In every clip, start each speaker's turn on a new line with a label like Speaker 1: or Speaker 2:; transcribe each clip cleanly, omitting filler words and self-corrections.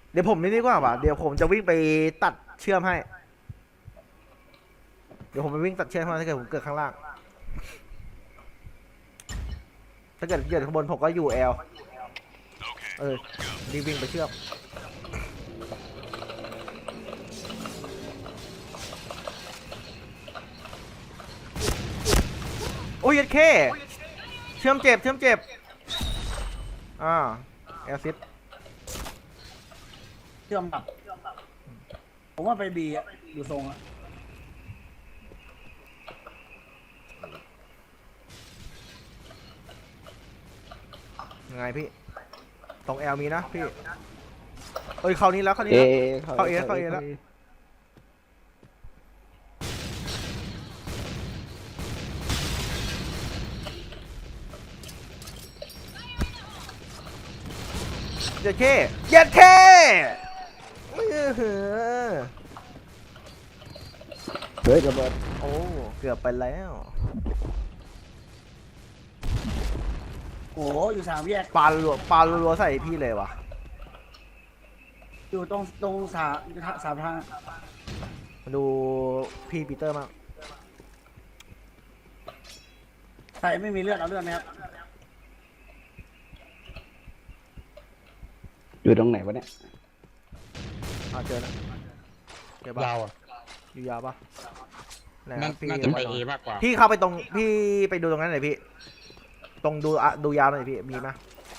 Speaker 1: เดี๋ยวผมนี่ดีกว่าว่ะเดี๋ยวผมจะวิ่งไปตัดเชื่อมให้เดี๋ยวผมไปวิ่งตัดเชื่อมให้ถ้าเกิดผมเกิดข้างล่างถ้าเกิดข้างบนผมก็อยู่แอลรีบวิ่งไปเชื่อมโอ้ยยัดเข้เชื่อมเจ็บแอลซิด
Speaker 2: เชื่อมกับผมว่าไปบีอะดูทรงอะ
Speaker 1: ยังไงพี่ตรงแอลมีนะพี่เข้านี้แล้วเข้า
Speaker 3: เอ
Speaker 1: เอแล้วเย็ดเข้
Speaker 3: เฮ้ยระเบิด
Speaker 1: โอ้เกือบไปแล้ว
Speaker 2: โอ้อยู่สามแยก
Speaker 1: ปารัวใส่พี่เลยวะ
Speaker 2: อยู่ตรงสามทาง
Speaker 1: มาดูพี่ปีเตอร์มาก
Speaker 2: ใครไม่มีเลือดเอาเลือดไหมครับ
Speaker 3: อยู่ตรงไหนวะเนี่ย
Speaker 1: เจอนะเดี๋ยวบ้าย
Speaker 4: าวอ่ะ
Speaker 1: อยู่ยาวปะไหน
Speaker 4: นั่น
Speaker 1: พี่
Speaker 4: น่าจะไปเอมากกว่า
Speaker 1: พี่เข้าไปตรงพี่ไปดูตรงนั้นหน่อยพี่ตรงดูยาวหน่อยพี่มีไหม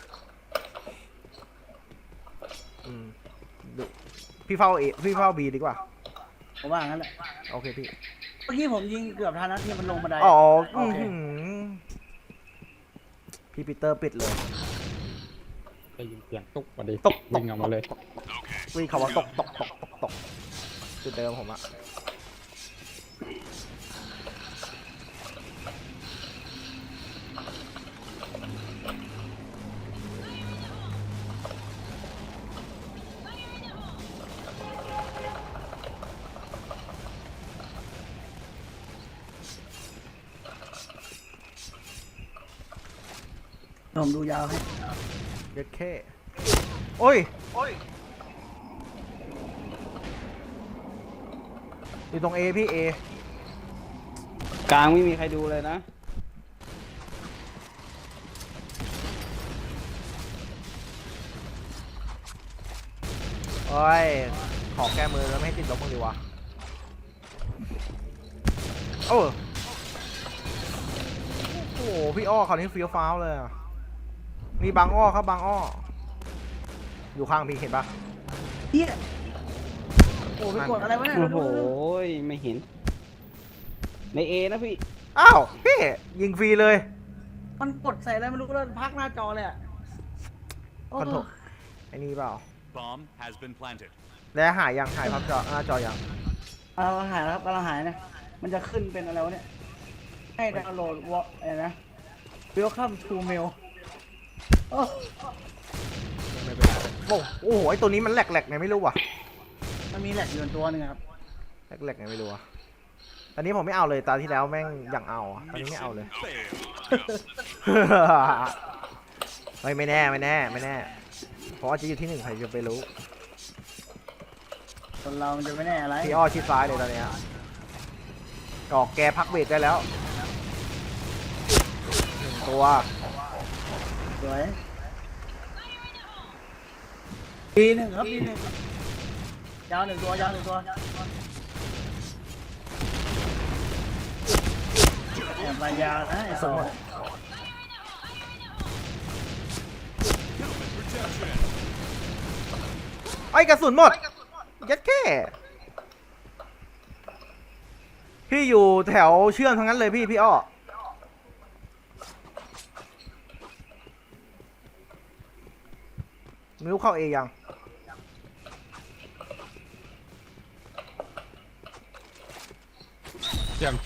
Speaker 1: ดูพี่เฝ้าบีดีกว่า
Speaker 2: ผมว่างั้นแหละ
Speaker 1: โอเคพี่
Speaker 2: เมื่อกี้ผมยิงเกือบทันนะที่มันลงบันไดโอเค
Speaker 1: พี่ปีเตอร์ปิดเลย
Speaker 4: ได้ยินเสียงตุ๊กพอดี
Speaker 1: ตก
Speaker 4: วิ่งออกมาเลย
Speaker 1: วิ่งเขาว่าตกจุดเดิมผมอะ
Speaker 2: ผมดูยาวให้
Speaker 1: เย็ดเข้โอ้ยอยู่ตรงเอพี่เอก
Speaker 3: ลางไม่มีใครดูเลยนะ
Speaker 1: โอ้ยขอแก้มือแล้วไม่ให้ติดลบมึงดีวะโอ้โหพี่อ้อคราวนี้เฟี้ยวฟ้าวเลยอะมีบางอ้อครับบางอ้ออยู่ข้างพี่เห็นปะ
Speaker 2: เฮียโอ้ไปกดอะไรวะเนี่ย
Speaker 3: โอ้โหไม่เห็นในเอนะพี่
Speaker 1: อ้าวพี่ยิงฟรีเลย
Speaker 2: มันกดใส่อะไรไม่รู้แล้วพักหน้าจอเลยอ่ะ
Speaker 1: คอนโทรไอ้นี่เปล่า
Speaker 5: Bomb has been planted.
Speaker 1: แล้วหายพับจอหน้าจอยัง
Speaker 2: เราหายแล้วครับเราหายนะมันจะขึ้นเป็นอะไรวะเนี่ยให้ดาวน์โหลดวออะไรนะ Welcome to mail โอ้
Speaker 1: โอ้โหไอตัวนี้มันแหลกไงไม่รู้ว่ะ
Speaker 2: มันมีแหลกอยู่ตัวหนึ่งครับ
Speaker 1: แหลกไงไม่รู้อ่ะตอนนี้ผมไม่เอาเลยตาที่แล้วแม่งอย่างเอาตอนนี้ไม่เอาเลยไม่แน่เพราะว่าจะอยู่ที่1ใครจะไปรู้
Speaker 2: คนเรามันจะไม่แน่อะไร
Speaker 1: พี่อ้อชิดซ้ายเลยตอนนี้กอกแกพักเบรกได้แล้ว1ตัว
Speaker 2: สวยปีหนึ่งครับปีหนึ่งยาว1 ตัวยาว1 ตัวแอบไปยาวนะไอ้สอง
Speaker 1: ไอ้กระสุนหมดยัดแค่พี่อยู่แถวเชื่อมทั้งนั้นเลยพี่อ้อมิวเข้าเอยัง
Speaker 4: เจียม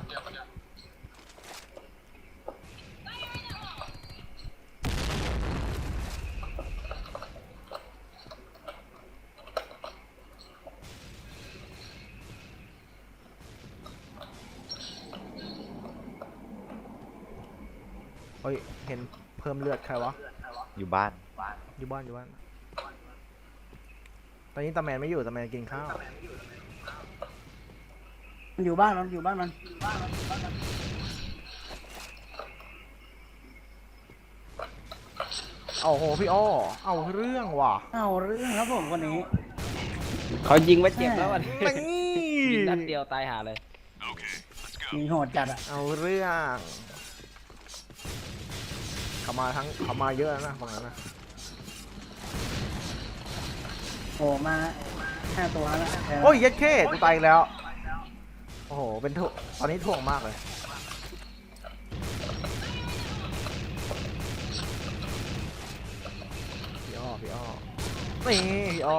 Speaker 1: เฮ้ยเห็นเพิ่มเลือดใครวะ
Speaker 6: อยู่บ้าน
Speaker 1: ตอนนี้ตาแมนไม่อยู่ตาแมนกินข้าว
Speaker 2: มันอยู่บ้านมันอยู่บ้านมัน
Speaker 1: โอ้โหพี่อ้อเอาเรื่องว่ะ
Speaker 2: เอาเรื่องครับผมคนนี้
Speaker 3: เขายิงไว้เจ็บแล้ววันนี้
Speaker 1: นี่
Speaker 3: ยิงนัดเดียวตายหาเลย
Speaker 2: มีโหดจัดอ่ะ
Speaker 1: เอาเรื่องเขามาเยอะนะฝั่งนั้นนะ
Speaker 2: โอ้มา5 ตัวแล้ว
Speaker 1: โอ้ยเย็ดเข้กูตายอีกแล้วโอ้โหเป็นถ่วงตอนนี้ถ่วงมากเลยพี่อ้อนี่พี่อ้อ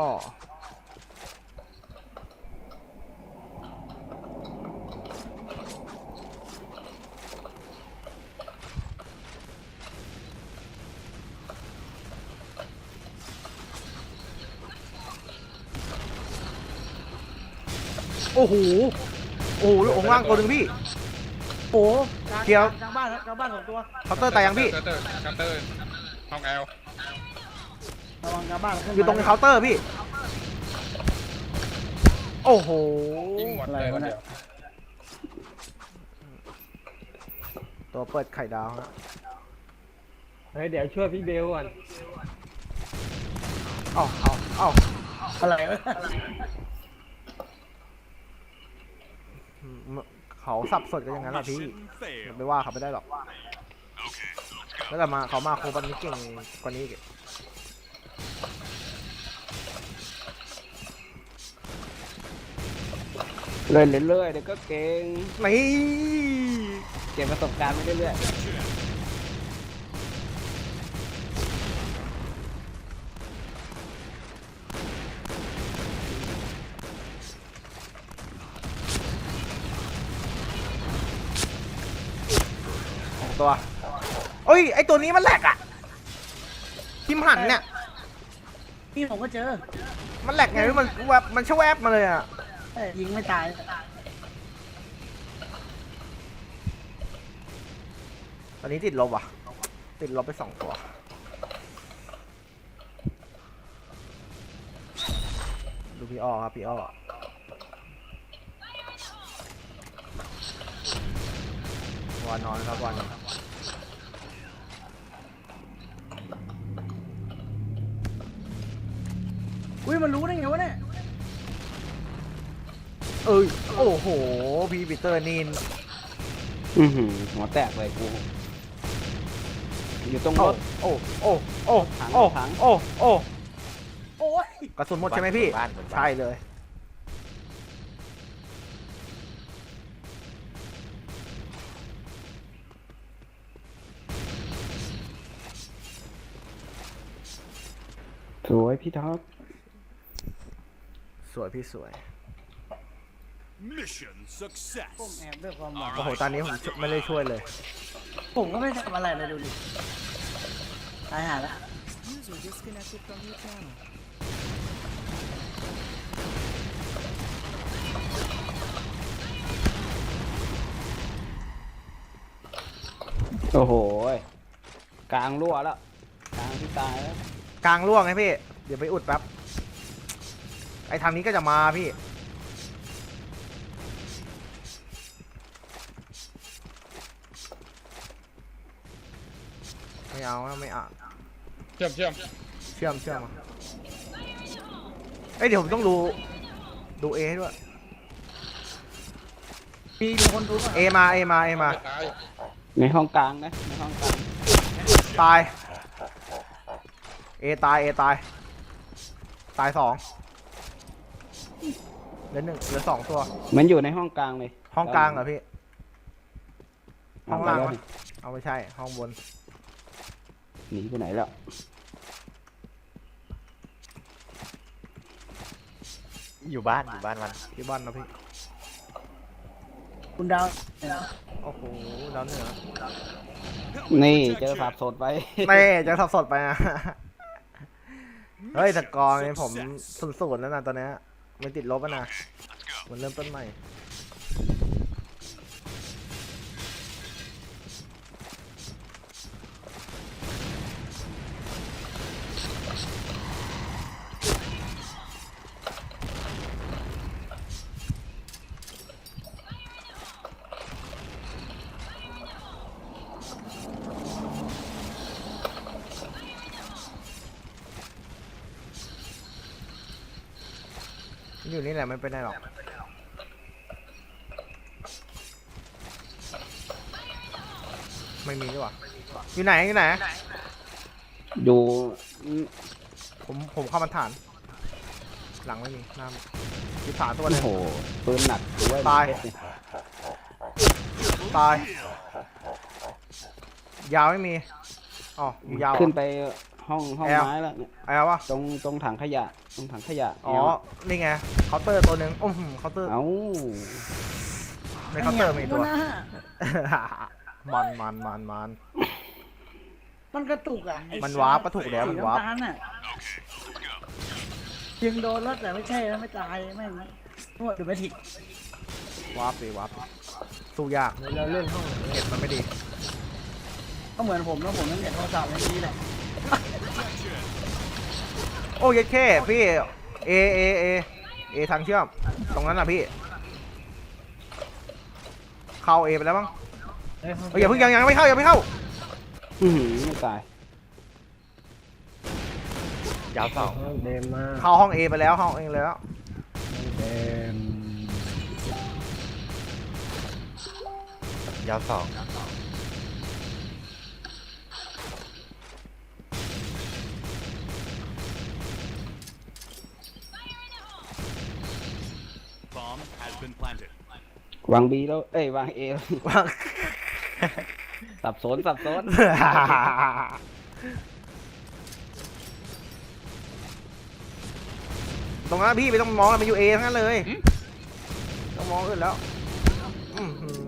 Speaker 1: โอ้โหลูกองล่างตัวหนึ่งพี่
Speaker 2: โอ้
Speaker 1: เดี๋ยว
Speaker 2: กลางบ้านครับกลางบ้าน2 ตัว
Speaker 1: เคาน์เตอร์ตายยังพี่
Speaker 4: คัตเตอร์ห้องแอล
Speaker 2: ระวังกลางบ้านขึ้น
Speaker 1: อยู่ตรงเคาน์เตอร์พี่ โอ้โห
Speaker 4: ยิงหมดเลยวันเดียว
Speaker 1: ตัวเปิดไข่ดาวฮะ
Speaker 3: เฮ้ยเดี๋ยวช่วยพี่เบลก่อน
Speaker 1: เอ้า
Speaker 2: อะไรวะ
Speaker 1: เขาสับสนกันอย่างนั้นแหละพี่
Speaker 5: Mission failed.
Speaker 1: ไม่ว่าเขาไม่ได้หรอก แล้วแต่เขามาโคบันนี้เก่งกว่านี้อีก
Speaker 3: เรื่อยๆเดี๋ยวก็เก่ง
Speaker 1: นี่
Speaker 3: เก็บประสบการณ์ไปเรื่อย
Speaker 1: ของตัวเอ้ยไอตัวนี้มันแหลกอ่ะทิมหันเนี่ย
Speaker 2: พี่ผมก็เจอ
Speaker 1: มันแหลกไงมันแวบมันชะแวบมาเลยอ่ะ
Speaker 2: เอ้ยยิงไม่ตาย
Speaker 1: ตอนนี้ติดลบอ่ะ ติดลบไป2 ตัว ดูพี่อ้อครับพี่อ้อวานอนครับวานอน
Speaker 2: อุ้ยมันรู้ได้ไงวะเนี่ย
Speaker 1: เอ้ยโอ้โหพี่ปีเตอร์นีน
Speaker 3: ๆหัวแตกเลยกูอยู่ตรงร
Speaker 1: โอ้
Speaker 3: ถ
Speaker 1: โอ้โอ้โอ้
Speaker 3: ถัง
Speaker 1: โอ้
Speaker 3: ถัง
Speaker 1: โอ้โอ้
Speaker 2: โอ้ย
Speaker 1: กระสุนหมดใช่ไหมพี่ ใช่เลย
Speaker 3: สวยพี่ท็อป
Speaker 1: สวยพี่สวย
Speaker 5: Mission
Speaker 2: ผม
Speaker 5: success.
Speaker 2: แอบด้วยความหวัง
Speaker 1: โอ้โหตอนนี้ผมไม่ได้ช่วยเลย
Speaker 2: ผมก็ไม่ทำอะไรเลยดูดิตายหาแล้ว
Speaker 6: User disconnected from your channel.
Speaker 3: โอ้โหกลางรั่วแล้วกลางที่ตายแล้ว
Speaker 1: กลางล่วงไงพี่ เดี๋ยวไปอุดแป๊บ ไอทางนี้ก็จะมาพี่ ไม่เอาไม่อ่าน
Speaker 4: เชื่อม
Speaker 1: เชื่อมเอ้ยเดี๋ยวผมต้องดูเอให้ด้วย
Speaker 2: มีคนดูป่ะ
Speaker 1: เอมา
Speaker 4: ไม่ตาย
Speaker 3: ในห้องกลางนะในห้องกลาง
Speaker 1: ตาย เอตายตาย 2เหลือ 1เหลือ 2 ตัว
Speaker 3: มันอยู่ในห้องกลางเลย
Speaker 1: ห้องกลางเหรอพี่ ห้องล่าง
Speaker 3: เไป
Speaker 1: วะ
Speaker 3: แว
Speaker 1: เอาไม่ใช่ ห้องบน
Speaker 3: หนีไปไหนแล้ว
Speaker 7: อยู่บ้านมัน
Speaker 1: ที่บ้านนะพี่
Speaker 2: คุณดาว
Speaker 1: โอ้โหดาวเหนือ
Speaker 3: นี่เจอสับสดไป
Speaker 1: เต้จะสับสดไปอ่ะ เฮ้ยแต่กรนี่ผมศูนย์แล้วนะตอนเนี้ยไม่ติดลบแล้วนะมันเริ่มต้นใหม่อยู่นี่แหละมันไปไหนหรอกไม่มีด้วยวะอยู่ไหนอยู่ไหน
Speaker 3: อยู่
Speaker 1: ผมเข้ามาฐาน หลังไม่มีหน้ามีฐานตัวหนึ
Speaker 3: โอ้
Speaker 1: ง
Speaker 3: โหปืนหนักด้วย
Speaker 1: ตาย ตาย ยาวไม่มีอ๋ออยู่ยาวเหรอ
Speaker 3: ขึ้นไปห้อง
Speaker 1: แอล
Speaker 3: ไม้แล้วเนี่ย
Speaker 1: เอาวะ
Speaker 3: ตรงถังขยะตรงถังขยะ
Speaker 1: อ๋อ นี่ไงเคาน์เตอร์ตัวหนึ่งเคาน์เตอร์
Speaker 3: เอ้า
Speaker 1: ในเคาน์เตอร์มีตัว
Speaker 2: ไอ้เหี้ยมัน มันกระตุกอ่ะไอ้
Speaker 1: มันวาร์ปก็ถูกแล้วมันวาร์ป
Speaker 2: สีำตลน่ะยิงโดนแล้วแต่ไม่ใช่แล้วไม่ตายแม่งนะนวดหรือไม่ถิก
Speaker 1: วาร์ปดิวาร์ปสู้ยากเราเล่นห้องเน็ตมันไม่ดี
Speaker 2: ก็เหมือนผมแล้วผมนั่งเน็ตโทรศัพท์ในนี้แหละ
Speaker 1: โอ้ยแค่พี่เอทางเชื่อมตรงนั้นน่ะพี่ เข้าเอไปแล้วมั้งเอ้ยอย่าเพิ่งยังไม่เข้ายังไม่เข้า
Speaker 3: อื้อหือไม่ตาย
Speaker 7: ยาวสอง
Speaker 1: เข้าห้องเอไปแล้วห้องเอแล้ว
Speaker 7: ยาวสอง
Speaker 5: Bomb has been planted.
Speaker 3: วางบีแล้ว เอ้ยวางเอแล้ว
Speaker 1: วาง
Speaker 3: สับสน
Speaker 1: ตรงนั้นพี่ไม่ต้องมองแล้วมันอยู่เอทั้งนั้นเลยต้องมองอื่นแล้วอื้อหือ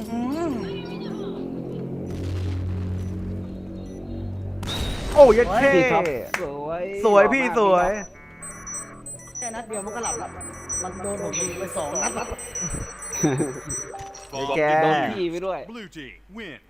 Speaker 1: โอ้ยแค่
Speaker 3: พี่ครับสวย
Speaker 1: สวยพี่สวย
Speaker 2: แค่นัดเดียวมันก็หลับแล้วมันโดนผมยิงไป2 นัดแล้ว
Speaker 1: แก
Speaker 3: โดนพี่ไปด้วย
Speaker 5: Blue team win.